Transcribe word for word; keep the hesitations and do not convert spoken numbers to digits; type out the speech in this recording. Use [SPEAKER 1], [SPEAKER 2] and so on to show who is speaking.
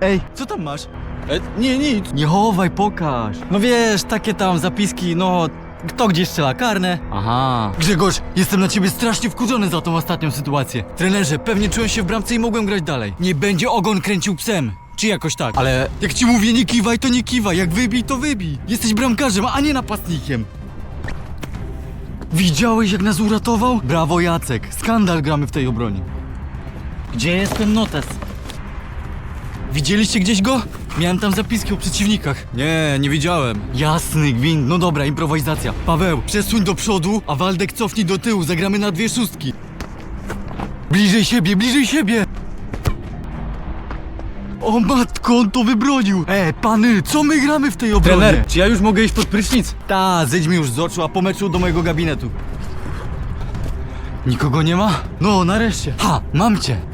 [SPEAKER 1] Ej, co tam masz?
[SPEAKER 2] E, nie, nic.
[SPEAKER 1] Nie chowaj, pokaż. No wiesz, takie tam zapiski, no... Kto gdzie strzela, karne? Aha. Grzegorz, jestem na ciebie strasznie wkurzony za tą ostatnią sytuację. Trenerze, pewnie czułem się w bramce i mogłem grać dalej. Nie będzie ogon kręcił psem. Czy jakoś tak. Ale jak ci mówię, nie kiwaj, to nie kiwaj. Jak wybij, to wybij. Jesteś bramkarzem, a nie napastnikiem. Widziałeś, jak nas uratował? Brawo, Jacek. Skandal gramy w tej obronie. Gdzie jest ten notes? Widzieliście gdzieś go? Miałem tam zapiski o przeciwnikach.
[SPEAKER 2] Nie, nie widziałem.
[SPEAKER 1] Jasny gwint, no dobra, improwizacja. Paweł, przesuń do przodu, a Waldek cofnij do tyłu, zagramy na dwie szóstki. Bliżej siebie, bliżej siebie! O matko, on to wybronił! E, pany, co my gramy w tej obronie?
[SPEAKER 2] Trener, czy ja już mogę iść pod prysznic?
[SPEAKER 1] Ta, zejdź mi już z oczu, a po meczu do mojego gabinetu. Nikogo nie ma? No, nareszcie. Ha, mam cię.